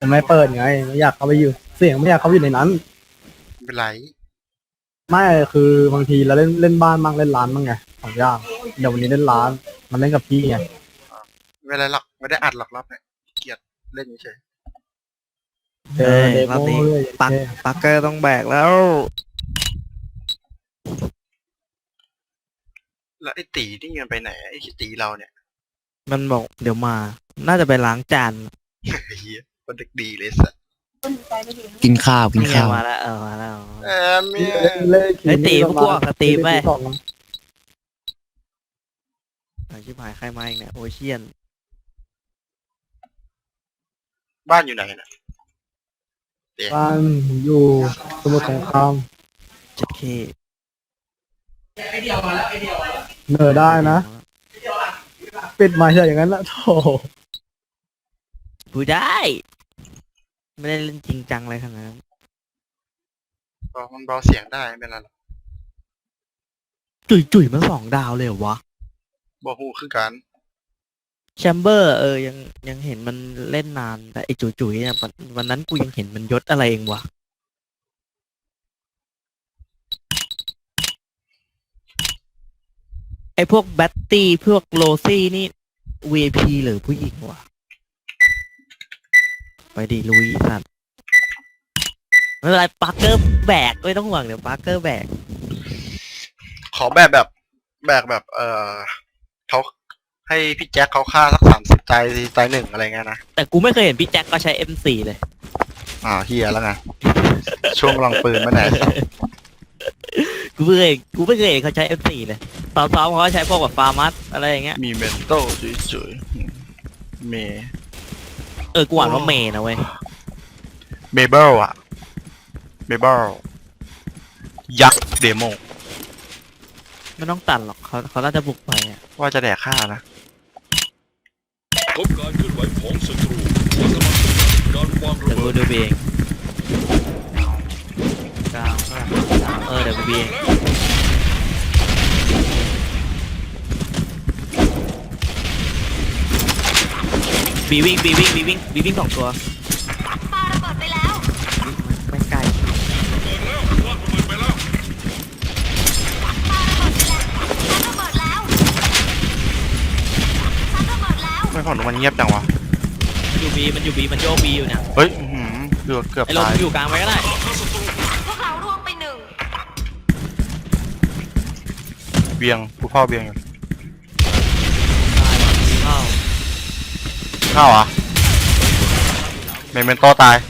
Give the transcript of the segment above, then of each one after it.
จะไม่เปิดไงไม่อยากเข้าไปอยู่เสียงไม่อยากเข้าไปอยู่ในนั้นไม่เป็นไรไม่คือบางทีเราเล่นบ้านบ้างเล่นร้านบ้างไงสองอย่างเดี๋ยววันนี้เล่นร้านมันเล่นกับพี่ไงไม่เป็นไรหรอกไม่ได้อัดหรอกรอบนี้เกลียดเล่นเฉยเจอเดโมเลยปักเกอร์ต้องแบกแล้วแล้วไอ้ตีนี่มันไปไหนไอ้ตีเราเนี่ยมันบอกเดี๋ยวมา น่าจะไปล้างจานเฮียคนเด็กดีเลยสัสกินข้าวกินนี่ไงข้าวมาแล้วมาแล้วเมียไอ้ตีพวกกูออกสตรีมไปชิบหายใครมาอีกเนี่ยโอเชียนบ้านอยู่ไหนน่ะบ้านอยู่สมุทรสงครามเจ็ดเคเหนือได้นะปิดมาเฉยอย่างนั้นละโธ่พูดได้ ไม่ได้เล่นจริงจังอะไรขนาดนั้นมันเบาเสียงได้ไม่เป็นไรหรอกจุ๋ยมา2 ดาวเลยเหรอวะบ่ฮู้คือกันแชมเบอร์ยังเห็นมันเล่นนานแต่ไอ้จุ๋ยเนี่ยวันนั้นกูยังเห็นมันยศอะไรเองวะไอ้พวกแบตตี้พวกโรซี่นี่ VIP หรือผู้หญิงวะไปดิลุยสัตว์ไม่เป็นไรปาร์เกอร์แบกไม่ต้องห่วงเดี๋ยวปาร์เกอร์แบกขอแบบเขาให้พี่แจ็คเขาฆ่าสัก30ตาย1อะไรเงี้ยนะแต่กูไม่เคยเห็นพี่แจ็คก็ใช้ M4 เลยเฮียแล้วไง ช่วงลองปืนมาไหนสัสกูไม่เคยเห็นเขาใช้ M4 เลยตอนซ้อมเขาใช้พวกแบบฟาร์มัสอะไรอย่างเงี้ยมีเมนโต้จุ๋ยเมกูอ่านว่าเมย์นะเว้ยเมเบิลอะเมเบิลยักษ์เดโมไม่ต้องตัดหรอกเขาน่าจะบุกไปอ่ะว่าจะแดกข้านะพบการเคลื่อนไหวของศัตรูและกำลังป้องกันการวางระเดี๋ยวเบิกูดดูเองกลางเดี๋ยวกูเองบีวิ่ง2 ตัวปาระเบิดไปแล้วไม่ใกล้วางระเบิดไปแล้วปาระเบิดไปแล้วฉันระเบิดแล้วฉันระเบิดแล้วไม่ผ่อนมันเงียบจังวะมันอยู่บีมันโยกบีอยู่เนี่ยเฮ้ยเกือบไอ้ลมตายอยู่กลางไว้ก็ได้พวกเราร่วงไป1 เบียงกูพ่อเบียงอยู่เข้าข้าวเหรอเมนโต้ตาย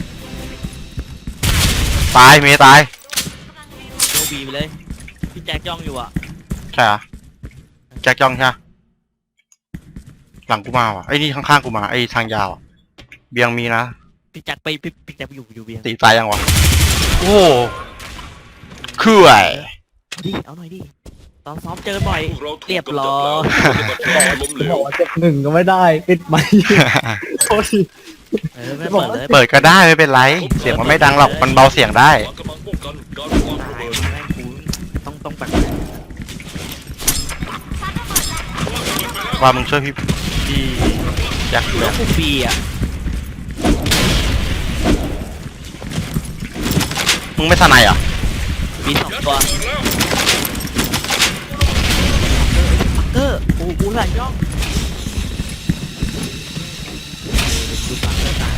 เมตายโยกบีไปเลยพี่แจ็คย่องอยู่อ่ะใช่เหรอแจ็คย่องใช่หลังกูมาว่ะไอ้นี่ข้างๆกูมาไอ้ทางยาวอะเบียงมีนะพี่แจ็คอยู่เบียงตีตายยังวะโอ้คือไอ้เอาหน่อยดิตอนซ้อมเจอบ่อยพวกเราถูกเรียบกำร้จัอดแล้วยปฏิบัติการล้มเหลบอวกว่าเจ็บ1ก็ไม่ได้ปิดไม่โทษทีไม่เปิดเลยเปิดก็ได้ไม่เป็นไรเสียงมันไม่ดังหรอกมันเบาเสียงได้วางกำลังป้องกันการวางระตายเบิดแม่งกูต้องแปลกว่ามึงช่วยพี่แจ็คๆแล้วกูบีอ่ะมึงไม่ทนายเหรอบี2 ตัวกูหลายย่องดูปังเกอร์ตาย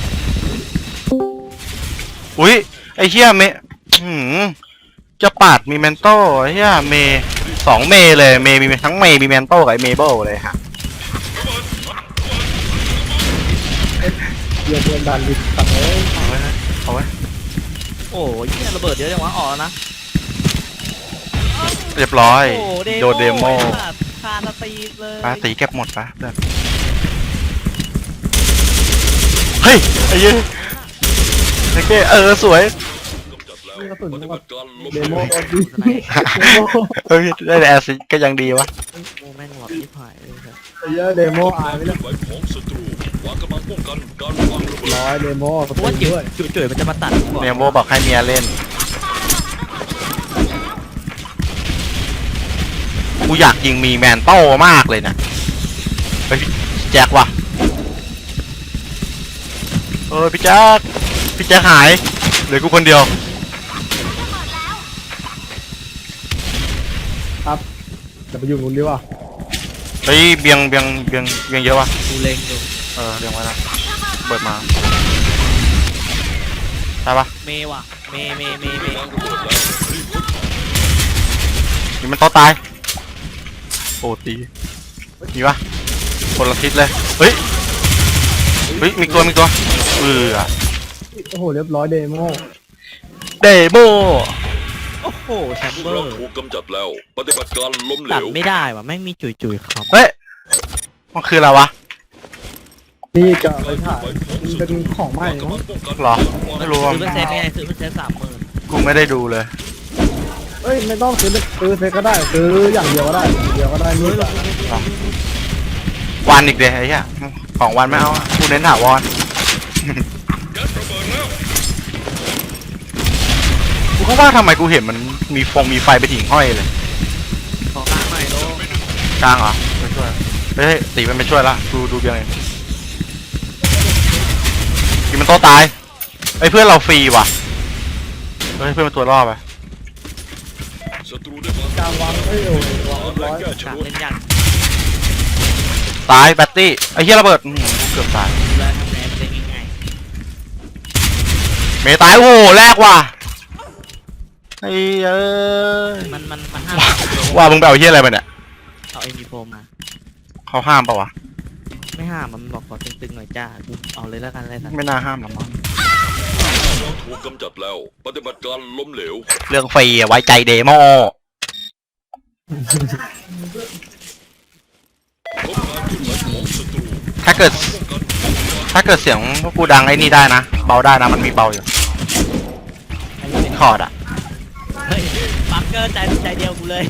อุ้ยไอ้เหี้ยจะปาดมีเมนโต้ไอ้เหี้ย2 เมเลยมีทั้งมีเมนโต้กับไอ้เมเบิลเลยฮะเรียนเรียนดันดิตัดเลยเอาไว้โอ้ยเนี่ยระเบิดเยอะจังวะออกแล้วนะเรียบร้อยโอ้โดนเดโมคาสตีเลยปาตีเก็บหมดปะเพื่อนเฮ้ยไอ้เหี้ยโอเคสวยกำจัดแล้วปฏิบัติการล้มเดเหลโมวก็ดีได้แต่แอซิดก็ยังดีวะโอ้แม่งหลอดที่ผายเลยครับเยอะเดโมพบอายการไม่เคลื่ได้อนไหวของศัตรูวางกำลังป้องกันการวางระเบิดร้อยเดโมเพราะว่าจุ๋ยมันจะมาตัดเมโมบอกให้เมียเล่นกูอยากยิงมีแมนโต้มากเลยนะเฮ้ยแจ็คว่ะพี่แจ๊คหายเหลือกูคนเดียวครับจะไปอยู่นู้นดีกว่าเฮ้ยเบียงเยอะวะกูเล็งอยู่เบียงไว้นะเปิดมาได้ปะเมย์ว่ะเมย์วางระเบิดแล้วรีบค้นหานี่มันโตตายโอ้ตีมีปะคนละทิศเลยเฮ้ยมีตัวโอ้โหเรียบร้อยเดโมเดโมโอ้โหแชมพวกเบอเราร์ถูกกำจัดแล้ว ปฏิบัติการล้มเหลตัดวไม่ได้ว่ะแม่งมีจุยครับเฮ้ยมันคืออะไรวะนี่จะไปถ่ายมันเป็นของใหม่เนาะหรอไม่รู้ว่าซื้อเป็นเซตไงซื้อเป็นเซต30,000 กูไม่ได้ดูเลยเอ้ยไม่ต้องซื้อเซ็ตก็ได้ซื้ออย่างเดียวก็ได้อย่างเดียวก็ได้นี่แหละวันอีกเลยไอ้เหี้ยของวันไม่เอาอะกูเน้นถาวรยัดระเบิดแล้วกูก็ว่าทำไมกูเห็นมันมีไฟไปถิงห้อยเลยขอตั้งหน่อยโลกลางเหรอไปช่วยเฮ้ยตีมันไปช่วยละดูเบียงเองกินมันโตตายไอ้เพื่อนเราฟรีว่ะเฮ้ยเพื่อนมันตัวล่อไปศัตรูได้วางกลางวางเอ้ยโอ้ยวางเรียบและร้อยแก้ชกานวนเล่นยากตายแบตตี้ไอ้เหี้ยระเบิดเกือบตายดูแลทำแนนได้ง่ายเมย์ตายโอ้โหแรกว่ะไอ้เอ้ยๆมันห้ามว่ามึงไปเอาเหี้ยอะไรมาเนี่ยเอา MP4 มาเขาห้ามปะวะไม่ห้ามมันบอกขอตึงๆหน่อยจ้ากูเอาเลยแล้วกันอะไรสักไม่น่าห้ามหรอกมั้งเราถูกกำจัดแล้ว ปฏิบัติการล้มเหลวเรื่องฟรีอะไว้ใจเดโมพบการเคลื่อนไหวของศัตรูถ้าเกิดป้องกันถ้าเกิดเสียงพวกกูดังไอ้นี่ได้นะเบาได้นะมันมีเบาอยู่คอร์ดอะเฮ้ยปักเกอร์ใจเดียวกูเลย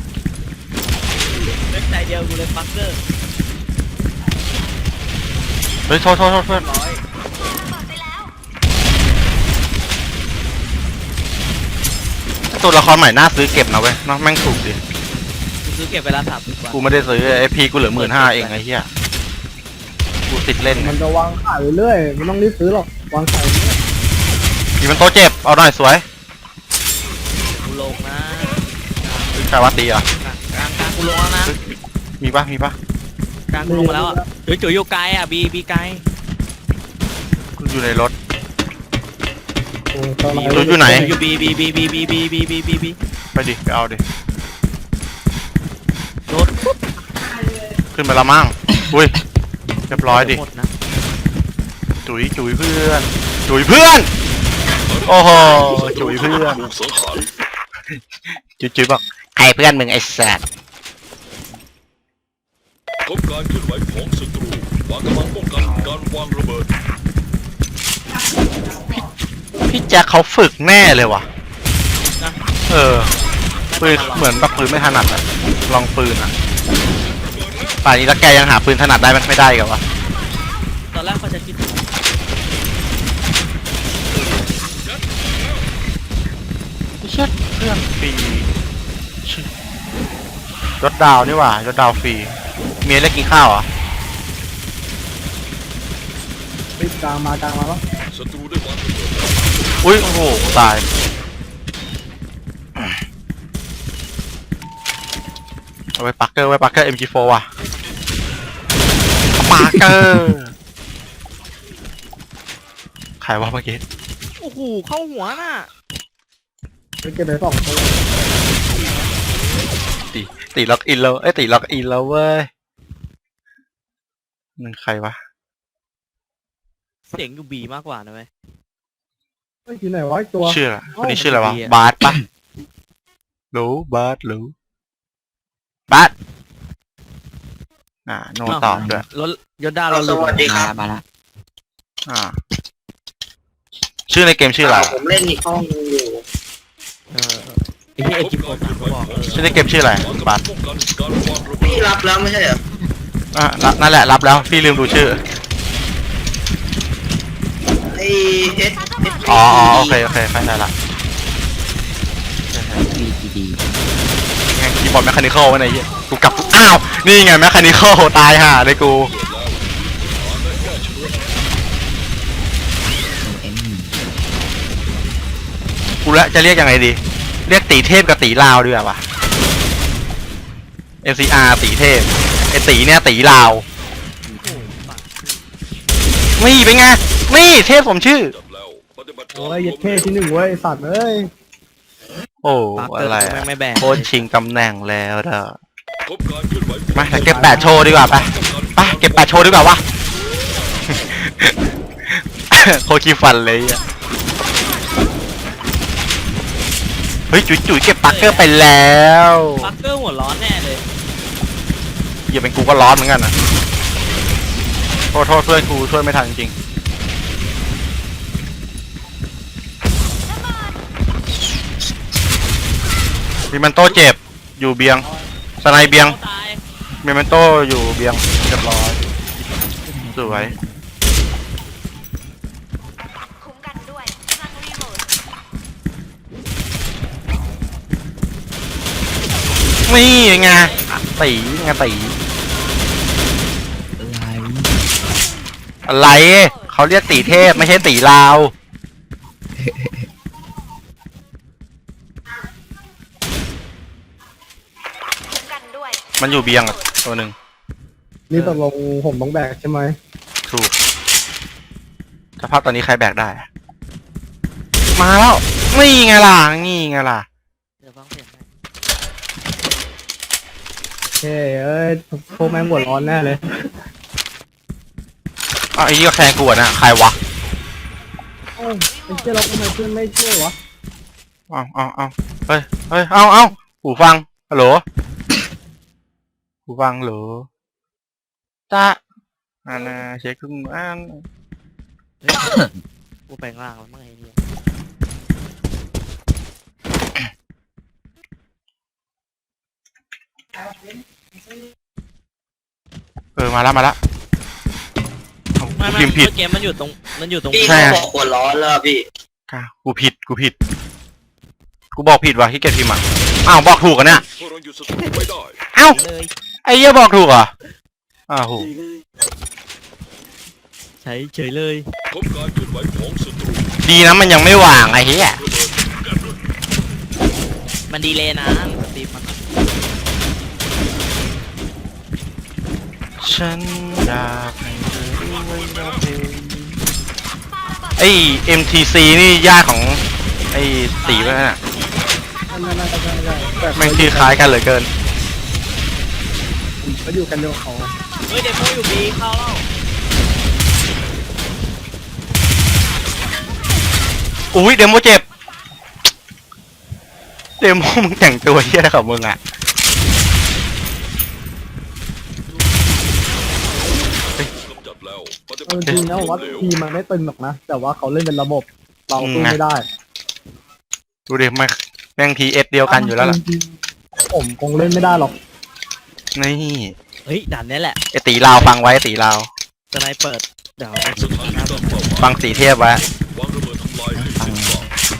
เล็กใจเดียวกูเลยปักเกอร์เฮ้ยโทษเพื่อนระเบิดไปแล้วตัวละครใหม่น่าซื้อเก็บนะเว้ยเนาะแม่งถูกดิกูซื้อเก็บไปแล้ว30 กว่ากูไม่ได้ซื้อไอพีกูเหลือ15,000เองไอ้เหี้ยกูติดเล่นไงมันจะวางขายเรื่อยๆไม่ต้องรีบซื้อหรอกวางขายเรื่อยมีมันโตเจ็บเอาหน่อยสวยกูลงนะใครว่าตีอ่ะกลางกูลงแล้วนะมีปะกลางกูลงมาแล้วอ่ะจุ๋ยอยู่ไกลอ่ะบีไกลกูอยู่ในรถโอ้ยตอนจุ๊ยอยู่ไหนอยู่บีไปดิไปเอาดิรถขึ้นไปละมั่งอุ้ยเรียบร้อยดิหมดนะจุ๋ยเพื่อนโอ้โหจุ๋ยเพื่อนถูกสังหารจุ๋ยบอกไอ้เพื่อนมึงไอ้สัตว์พบการเคลื่อนไหวของศัตรูวางกำลังป้องกันการวางระเบิดพี่แจ็คเขาฝึกแน่เลยว่ะปืนเหมือนแบบปืนไม่ถนัดอะลองปืนอะป่านนี้แล้วแกยังหาปืนถนัดได้มันไม่ได้กันวะตอนแรกเขาจะคิดเชิดเพื่อนฟรียศดาวนี่หว่ายศดาวฟรีเมียเล็กกินข้าวเหรอรีบกลางมาแล้วศัตรูได้วางระเบิดแล้วอุ้ยโอ้โหตายเอาไปปักเกอร์ MG4 ว่ะปักเกอร์ใครวะเมื่อกี้โอ้โหเข้าหัวน่ะไปเก็บไป2ตัวตีล็อกอินแล้วตีล็อกอินแล้วเว้ยนั่นใครวะเสียงอยู่บีมากกว่านะเว้ยเฮ้ยอยู่ไหนวะอีกตัวชื่ออะไรคนนี้ชื่ออะไรวะบีอะบาสปะรู้บาสโนตอบด้วยรถยศดาเราลุมาละชื่อในเกมชื่ออะไรผมเล่นอีกห้องนึงอยู่ไอ้ที่เอพบจิโปการเคลื่อนไหวบอกของศัตชื่อรูในเกมชื่ออะไรวางกำบาลัสงป้องกันการวางระเบิพี่ดรับแล้วไม่ใช่เหรอนั่นแหละรับแล้วพี่ลืมดูชื่อไอเอสอ๋อโอเคไปได้ละดีดีไงคีย์บอร์ดแมคคานิคอลไว้ไหนเหี้ยกูกลับอ้าวนี่ไงแมคคานิคอลตายห่าเลยกูละจะเรียกยังไงดี เรียกตีเทพกับตีลาวดีกว่าปะ MCR ตีเทพไอตีเนี่ยตีลาวนี่เป็นไงนี่เทพสมชื่อจับแล้วปฏิบัติการโอ้ยยัดเท่ที่หนึ่งเว้ยไอ้สัตว์เอ้ยโอ้ปาร์เกออะไรร์อะไม่แบ่งโคตรชิงตำแหน่งแล้วเด้อพบการเคลื่อนไหวมาเก็บ8โชว์ดีกว่าไปไปเก็บ8โชว์ดีกว่าวะ โคตรขี้ฟันเลยอะเฮ้ยจุ๋ยเก็บปักเกอร์ไปแล้วปาร์เกอร์หัวร้อนแน่เลยอย่าเป็นกูก็ร้อนเหมือนกันนะโทษเพื่อนกูช่วยไม่ทันจริงๆมีมันโต้เจ็บอยู่เบียงสไนเบียงตายมีมันโต้อยู่เบียงเรียบร้อยสวยคุ้มกันด้วยพลังรีโมทนี่ไงตีไงตีอะไรอะไรเขาเรียกตีเทพไม่ใช่ตีลาวคุ้มกันด้วยมันอยู่เบียงอะตัวหนึ่งนี่ตกลงผมต้องแบกใช่ไหมถูกสภาพตอนนี้ใครแบกได้ มาแล้วนี่ไงล่ะนี่ไงล่ะเดี๋ยวฟังเสียงให้เฮ้ยเอ้ยพวกแม่งหัวร้อนแน่เลยอ้าวไอ้ยี่ก็แทงกูอะนะใครวะเอ้าไอ้เจ้าเราทำไมเพื่อนไม่ช่วยวะเอาเฮ้ยเอาหูฟังฮัลโหลหูฟังเหรอจ้าอันน่ะเช็คครึ่งอันกูแปลงร่างแล้วมั้งไอ้เนี่ยมาแล้วเอาไม่กูพิมพ์ผิดเมื่อกี้มันอยู่ตรงพี่ใช่เขาบอกหัวร้อนแล้วพี่กูผิดกูบอกผิดว่ะที่เกียจพิมพ์อ่ะอ้าวบอกถูกอ่ะเนี่ยพวกเราหยุดศัตรูไม่ได้เอ้าเลยไอ้เหี้ยบอกถูกเหรอ่ะอ้าวโหใช้เฉยเลยพบการเคลื่อนไหวของศัตรูดีนะมันยังไม่วางไอ้เหี้ยมันดีเลยนะสตรีมมันฉันอยากให้เธอรู้ไว้ว่าเพลงไอ้ MTC นี่ญาติของไอ้ตีป่ะเนี่ยนั่นแต่แม่งชื่อคล้ายกันเหลือเกินเขาอยู่กันเดียวเขาเฮ้ยเดโมอยู่บีเข้าแล้วอุ้ยเดโมเจ็บเดโมมึงแต่งตัวเหี้ยอะไรของมึงอ่ะกำจัดแล้วปฏิเอบัอติจริงนะผมว่าทีมมันไม่ตึงหรอกนะ แต่ว่าเขาเล่นเป็นระบบ เราสู้ไม่ได้ดูดิแม่งทีเอสเดียวกันอยู่แล้วล่ะผมคงเล่นไม่ได้หรอกนี่เฮ้ยด่านนี้แหละไอตีลาวฟังไว้ตีลาวสไนเปิดเดี๋ยวสถานีตั้งเป้าหมายฟังสีเทพไว้วางระเบิดทำลายให้สิ้นซาก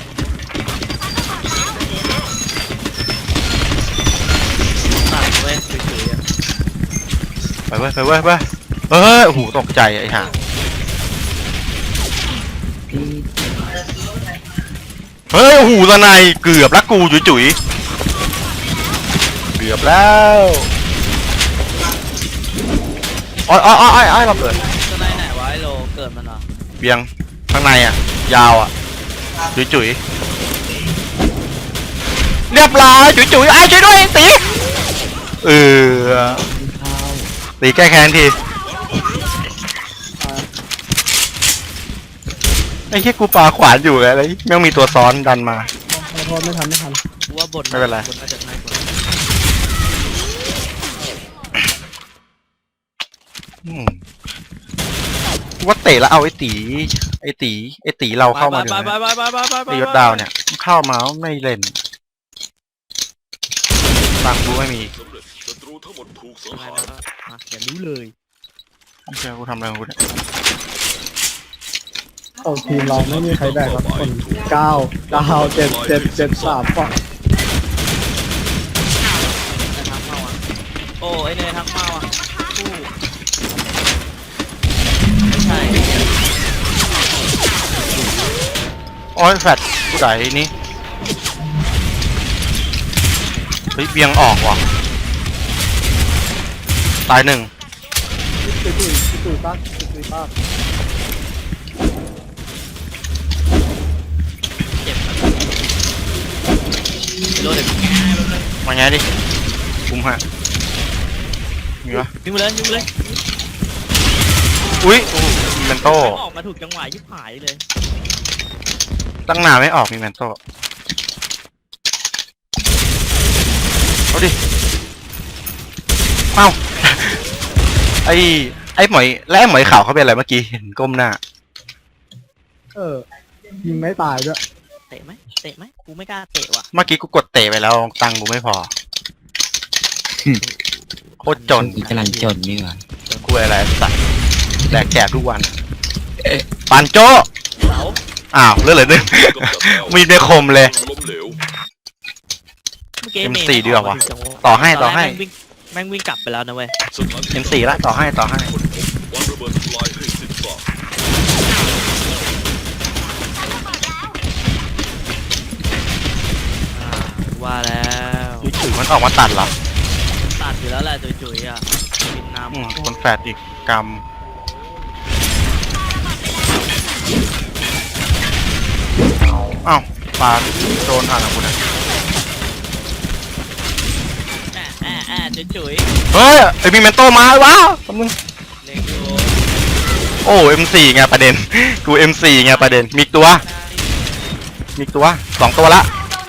ตัดเว้ยเฉยๆอะไปเว้ยโอ้โหตกใจไอ้ห่าเฮ้ยโอ้โหตะไนเกือบละกูจุ๋ยเกือบแล้วอ้อยเราเกิดสไนไหนวะไอโลเกิดมันเหรอเบียงข้างในอ่ะ ยาวอ่ะจุ๋ยเรียบร้อยจุ๋ยอ้าวช่วยด้วยตีตีแก้แค้นทีไอ้แค่กูปาขวานอยู่ไงแล้วยังมีตัวซ้อนดันมาขอโทษไม่ทันกูว่าบนไม่เป็นไรบนน่าจะง่ายกว่าว่าเตะแล้วเอาไอ้ตีเราเข้ามาไปถึงไปนะไปไอ้ยศดาวเนี่ยเข้ามาไม่เล่นฟังกูไม่มีสำเร็จศัตรูทั้งหมดถูกสังไปหารไปมาอย่ารู้เลยไม่ใช่กูทำอะไรของกูเนี่ยโอ้ทีมเราไม่มีใครแบกครับคน9 7 ฝั่งทักมาว่ะโอ้ไอเนยทักมาว่ะคู่ไม่ใช่โอ้ยแฟดกูไหนนี่เฮ้ยเบียงออกว่ะตายหนึ่งตุยปากตุยปากเจ็บครับโดนเด็กมาไงดิคุมฮะมีปะยิงไปเลยยิงไปเลยอุ้ยโอ้โหมีแมนโต้ออกมาถูกจังหวะยิบหายเลยตั้งหนาไม่ออกมีแมนโต้เอาดิเอ้า ไอ้หมอยและไอ้หมอยขาวเขาเป็นอะไรเมื่อกี้เห็นก้มหน้ายิงไม่ตายด้วยเตะไหมเตะไหมกูไม่กล้าเตะว่ะเมื่อกี้กูกดเตะไปแล้วตังค์กูไม่พอโคตรจนกำลังจนนี่หว่ากูอะไรสัตว์แดกแจกทุกวันปานโจเสาอ้าวเลือดเหลือหนึ่งกำจัดแล้วมีดไม่คมเลยล้มเหลวเมื่อกี้ M4 เมย์ดีกว่าวะอมถูจังหะต่อให้ต่อให้นแรกแม่งวิ่งกลับไปแล้วนะเว้ยสถานที่ M4 ละต่อให้ต่อให้คนพบวางระเบิดทำลายให้สิ้นซากอ่าว่าแล้วจุ๋ยๆมันออกมาตัดเหรอตัดอยู่แล้วแหละจุ๋ยๆอ่ะบินน้ำคนแฟดอีกกรรมอ้าวปลาโดนผ่านอะคุณอะจุ๋ยเฮ้ยไอมีเมนโตมาว้าวมึงๆเล็งอยู่โอ้ M4 ไงประเด็น กู M4 ไงประเด็น มีอีกตัว มีอีกตัวสองตัวละ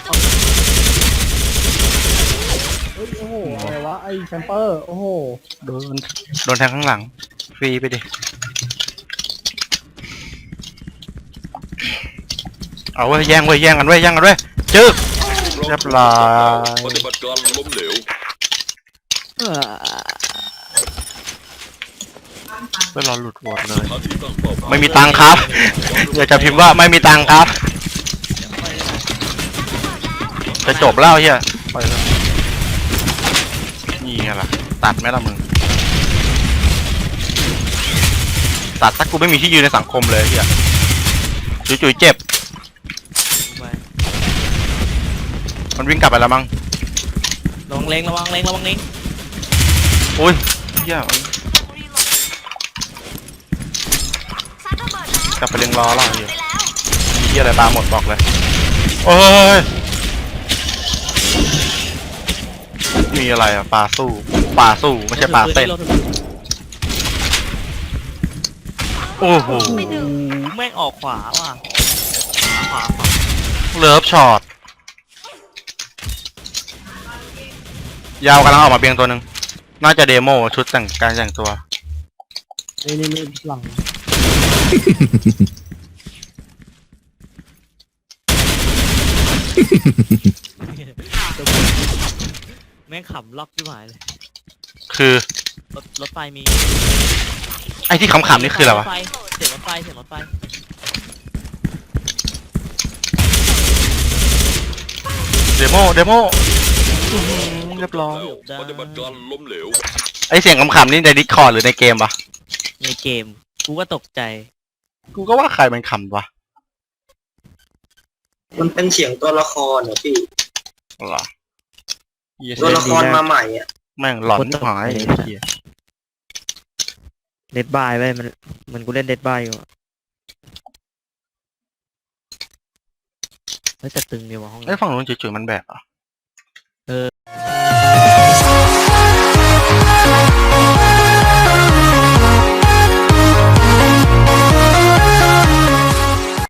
เฮ้ยโอ้โหอะไรวะไอ้แชมเปอร์โอ้โหโดนแทงข้างหลัง ฟรีไปดิ เอาเว้ยแย่งกันเว้ยจึ๊ก เรียบร้อยปฏิบัติการล้มเหลวเพื่อรอหลุดโหวตเลยสถานที่ตั้งเป้าหมายไม่มีตังค์ครับ อย่าจะพิมพ์ว่าไม่มีตังค์ครับ จะจบแล้วเฮียไปเลยนี่ไงล่ะ ตัดไหมล่ะมึง ตัดถ้ากูไม่มีที่ยืนในสังคมเลยเฮียจุ๋ยๆเจ็บไปมันวิ่งกลับไปแล้วมั้งระวังเล็งอุ้ยเฮียซัดระเบิดแล้วกลับไปเล็งรอแล้วเฮียไปแล้วมีเฮียอะไรปลาหมดบอกเลย โอ้ย มีอะไรอ่ะปลาสู้ไม่ใช่ปลาเต้น โอ้โหแม่งออกขวาว่ะขวาเลิฟช็อต ยาวกำลังออกมาเบียงตัวหนึ่ง น่าจะเดโมชุดแต่งการแต่งตัวนี่หลังแม่งขำล็อกที่หายเลยคือรถไฟมีไอ้ที่ขำๆนี่คืออะไรวะเสียงรถไฟเดโมอื้อหือเรียบร้อยแล้วปฏิบัติการล้มเหลวไอ้เสียงขำๆนี่ในดิสคอร์ดหรือในเกมปะในเกม กูก็ตกใจกูก็ว่าใครมันขำวะมันเป็นเสียงตัวละครเนี่ยพี่เหรอเหี้ยตัวละครมาใหม่อ่ะแม่งหลอนหายไอ้เหี้ยเดดบายเว้ยมันกูเล่นเดดบายอยู่เฮ้ยแต่ตึงดีว่ะห้องไอ้ฝั่งนู้นจุ๋ยๆมันแบกเหรอเออ